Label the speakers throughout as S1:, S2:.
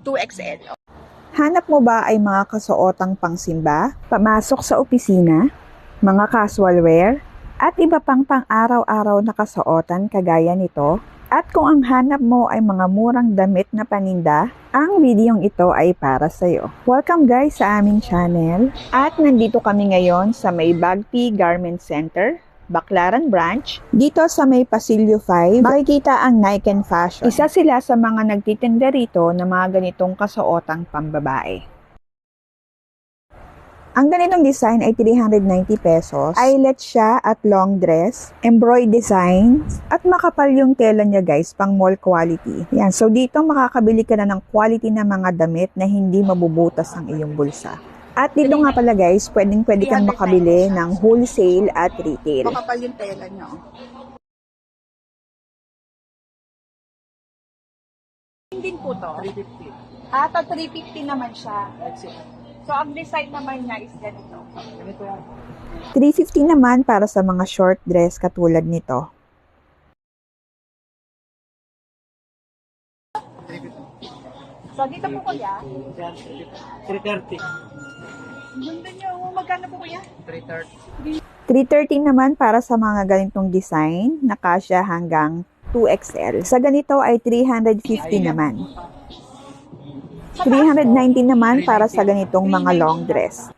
S1: 2XL.
S2: Hanap mo ba ay mga kasuotang pangsimba, pamasok sa opisina, mga casual wear, at iba pang pang-araw-araw na kasuotan kagaya nito? At kung ang hanap mo ay mga murang damit na paninda, ang videong ito ay para sa'yo. Welcome guys sa aming channel. At nandito kami ngayon sa may Bagpi Garment Center, Baclaran Branch. Dito sa may Pasilyo 5, makikita ang Nike Fashion. Isa sila sa mga nagtitinda rito ng mga ganitong kasuotang pambabae. Ang ganitong design ay 390 pesos. Eyelet siya at long dress, embroidered design, at makapal yung tela niya guys, pang mall quality. Yan, so dito makakabili ka na ng quality na mga damit na hindi mabubutas ang iyong bulsa. At dito nga pala guys, pwede kang makabili ng wholesale at retail.
S1: Makapal yung tela niya. Din po to. 350. To 350 naman siya. So, ang design naman niya is ganito.
S2: 350 naman para sa mga short dress katulad nito.
S1: So, dito po kuya.
S3: 330.
S1: Ganda niyo. Magkano po kuya?
S3: 330.
S2: 330 naman para sa mga ganitong design na kasya hanggang 2XL. Sa ganito ay 350 naman. 390 naman para sa ganitong mga long dress.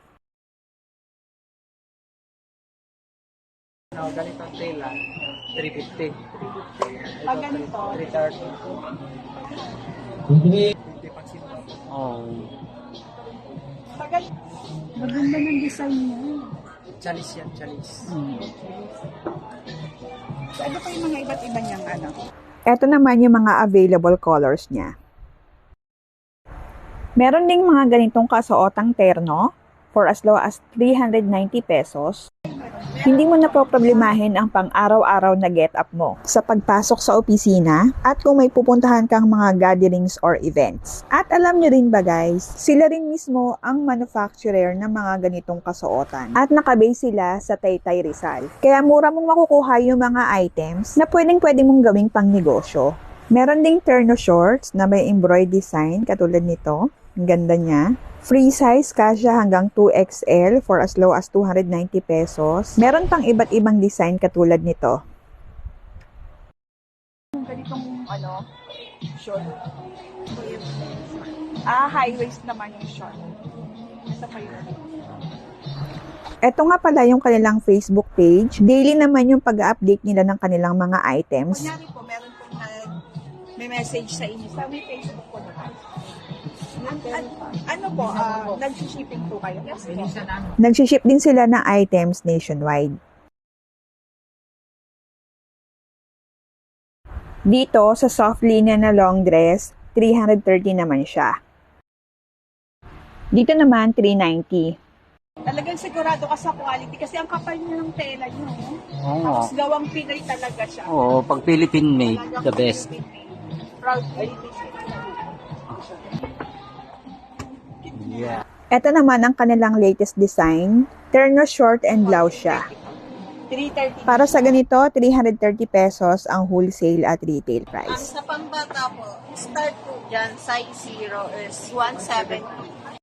S3: Ganitong tela, 350.
S1: Pag ganito.
S3: 330.
S1: Maganda ng design niya.
S3: Chalis yan, chalis.
S1: So, ano pa yung mga iba't iba niyang ano?
S2: Ito naman yung mga available colors niya. Meron ding mga ganitong kasuotang terno for as low as 390 pesos. Hindi mo na po problemahin ang pang-araw-araw na get-up mo sa pagpasok sa opisina at kung may pupuntahan kang mga gatherings or events. At alam nyo rin ba guys, sila rin mismo ang manufacturer ng mga ganitong kasuotan at nakabase sila sa Taytay Rizal. Kaya mura mong makukuha yung mga items na pwede mong gawing pang negosyo. Meron ding terno shorts na may embroidered design katulad nito. Ang ganda niya. Free size kasya hanggang 2XL for as low as 290 pesos. Meron pang iba't ibang design katulad nito.
S1: Ganitong short. High waist naman yung short. Ito pa yun.
S2: Ito nga pala yung kanilang Facebook page. Daily naman yung pag-update nila ng kanilang mga items.
S1: Kunyari po, meron po may message sa inyo. Sa may Facebook po naman. Nag-shipping po kayo? Yes,
S2: Nag-ship din sila ng items nationwide. Dito, sa soft linya na long dress, 330 naman siya. Dito naman, 390.
S1: Talagang sigurado ka sa quality kasi ang kapal niya ng tela niyo. Tapos gawang Pinoy talaga siya.
S3: Oo, pag Philippine made, the best.
S1: Proud Philippine.
S3: Yeah.
S2: Ito naman ang kanilang latest design. Terno short and blouse siya.
S1: 330.
S2: Para sa ganito, 330 pesos ang wholesale at retail
S4: Ang
S2: price.
S4: sa pambata po, start po dyan, size 0 is 170.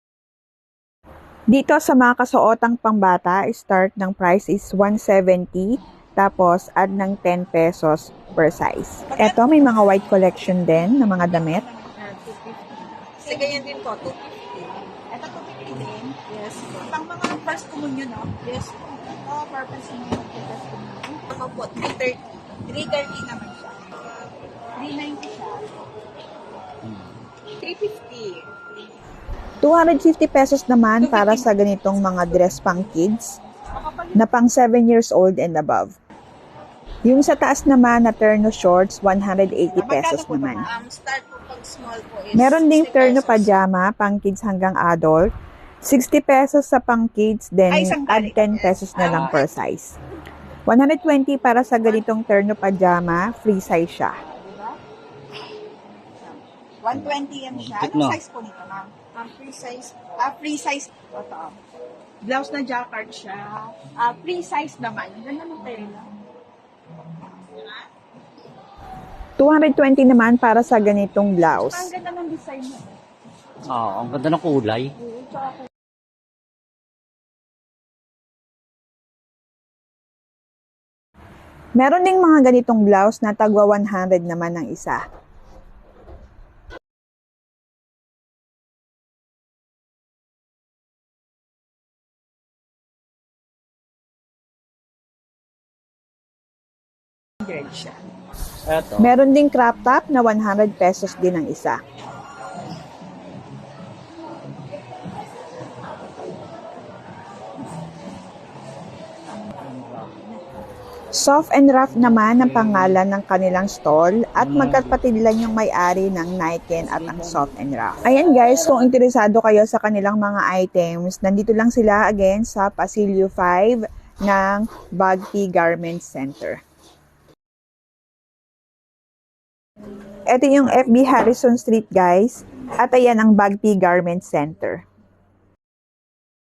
S2: Dito sa mga kasuotang pangbata, start ng price is 170, tapos add ng 10 pesos per size. Ito, may mga white collection din na mga damit.
S4: Kasi ganyan din po, 250.
S1: Ito 250 din.
S4: Yes po.
S1: Pang mga first communion, no?
S4: Yes po.
S1: Purpose mo yung first communion.
S4: Ako po, 330.
S1: 330 naman siya. 390 siya. 350.
S2: 250 pesos naman para sa ganitong mga dress pang kids na pang 7 years old and above. Yung sa taas naman na terno shorts, 180 pesos naman.
S4: Start po pag small po is
S2: Meron ding
S4: 60
S2: terno
S4: pesos.
S2: pajama, pang kids hanggang adult. 60 pesos sa pang kids, then add 10 pesos na lang per size. 120 para sa ganitong terno pajama, free size siya.
S1: 120 yan siya.
S3: Tignan.
S1: Anong size po nito, ma'am?
S4: Free size po.
S1: Free size. Ito. Blouse na jacquard siya. Free size naman. Ang ganda ng tela.
S2: 220 naman para sa ganitong
S1: Ang
S2: blouse.
S1: ganda ng design mo.
S3: Oo, ang ganda ng kulay.
S1: Oo, tsaka
S2: Meron ding mga ganitong blouse na tagwa 100 naman ang isa.
S1: grade siya.
S3: Eto.
S2: Meron ding crop top na 100 pesos din ang isa. Soft and Rough naman ang pangalan ng kanilang stall at magkapatid lang yung may-ari ng Nike at ang Soft and Rough. Ayan guys, kung interesado kayo sa kanilang mga items, nandito lang sila again sa Pasilio 5 ng Bagpi Garment Center. Ito yung FB Harrison Street guys at ayan ang Bagpi Garment Center.